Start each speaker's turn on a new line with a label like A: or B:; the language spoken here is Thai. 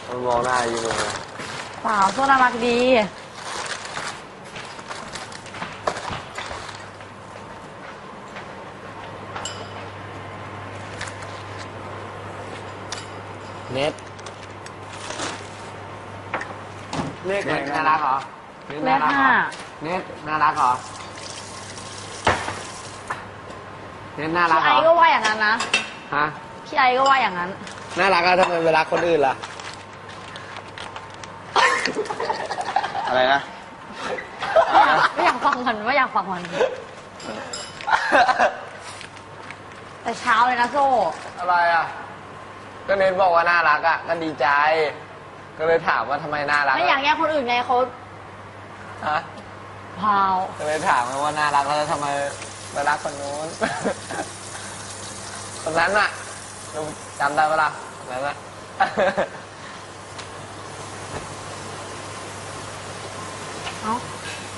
A: มันมองหน้าอยู่เลย
B: เปล่าโซ่น่ารักดี
A: เน็ตเลข
C: เน็ตน่ารักเหรอ
B: เลขห้า
C: เน็ตน่ารักเหรอเน็ตน่ารัก
B: พี่
C: เหร
B: ไอ
C: อ
B: ก็ว่าอย่างนั้นนะ
C: ฮะ
B: พี่ไอก็ว่าอย่างนั้น
A: น่ารักอะทำไมเวลาคนอื่นล่ะ อะไรนะ
B: ไม่อยากฟังมันไม่อยากฟังมันแต่เช้าเลยนะโซ่
A: อะไรอ่ะ ก็เน็ตบอกว่าน่ารักอ่ะก็ดีใจ ก็เลยถามว่าทำไมน่ารัก
B: ไม่อยากแย่งคนอื่นไงเขา
A: ฮะ
B: พาว
A: ก็เลยถามว่าน่ารักแล้วทำไมไปรักคนนู้น ตรงนั้นน่ะลุงจำได้ปะล่ะตรงนั้นน่ะ
B: เอ้า